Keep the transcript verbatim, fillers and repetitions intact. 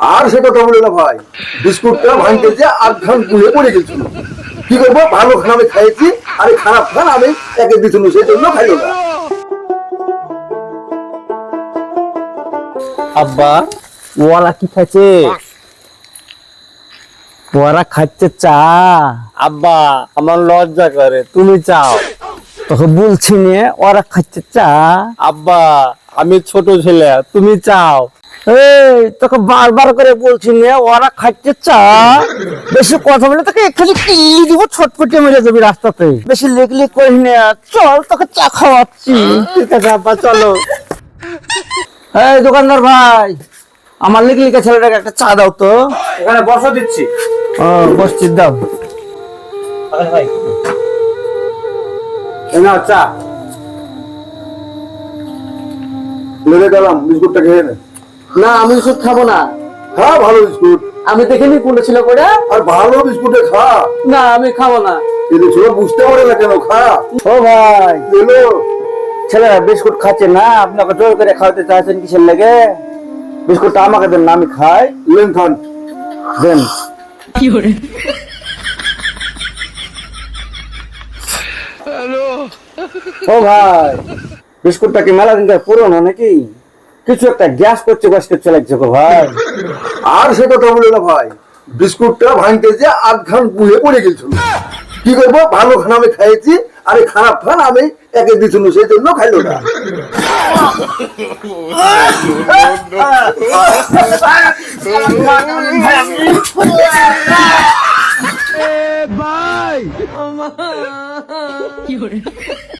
আর সে কথা বলে না ভাই, বিস্কুটটা ভাঙতে যে আধ ঘান গুলে পড়ে গেছিল। কি করবো, ভালো খান আমি খাইছি, আর এই খারাপ খান আমি একে দিছিল, সেই জন্য খাইলো না। আব্বা ওরা কি খাচ্ছে? ওরা খাচ্ছে চা। আব্বা আমার লজ্জা করে, তুমি চাও। তোকে বলছি নে ওরা খাচ্ছে চা। আব্বা আমি ছোট ছেলে, তুমি চাও। এই তোকে বারবার করে বলছি নে ওরা খাচ্ছে চা। বেশি কথা বলে তোকে এখানে কি দিব, ছটফটে মেরে যাবি রাস্তাতে। বেশি লেগলি করিস না, চল তোকে চা খাওয়াচ্ছি। ঠিক আছে আব্বা চলো। এই দোকানদার ভাই, আমার লিখে লিখে ছেলেটাকে একটা চা দাও তো। এখানে বসা দিচ্ছি। ও বসছি, দাও। ভাই এই নাও চা। লেগে গেলাম, বিস্কুটটা খেয়ে নে। না আমি ওষুধ খাবো না। খা ভালো বিস্কুট, আমি দেখিনি কোনটা ছিল করে। আর ভালো বিস্কুটে খা। না আমি খাবো না। কিন্তু ছোট বুঝতে পারে না কেন, খা। ও ভাই, এলো ছেলেরা বিস্কুট খাচ্ছে না, আপনাকে জোর করে খাওয়াতে চাইছেন কিসের লেগে? বিস্কুটটা আমাকে দেন না, আমি খাই। লেন খান। দেন। ও ভাই, বিস্কুটটা কি মেলা দিন পুরনো নাকি? কিছু একটা গ্যাস করছে, গ্যাস করছে লাগছে গো ভাই। আর সে কথা বলে না ভাই, বিস্কুটটা ভাঙতে যে আধ ঘান গুলে পড়ে গেছিল। কি করবো, ভালো খান আমি খাইছি, আর এই খারাপ খান আমি একে দিছিল, সেই জন্য খাইলো না। ভাই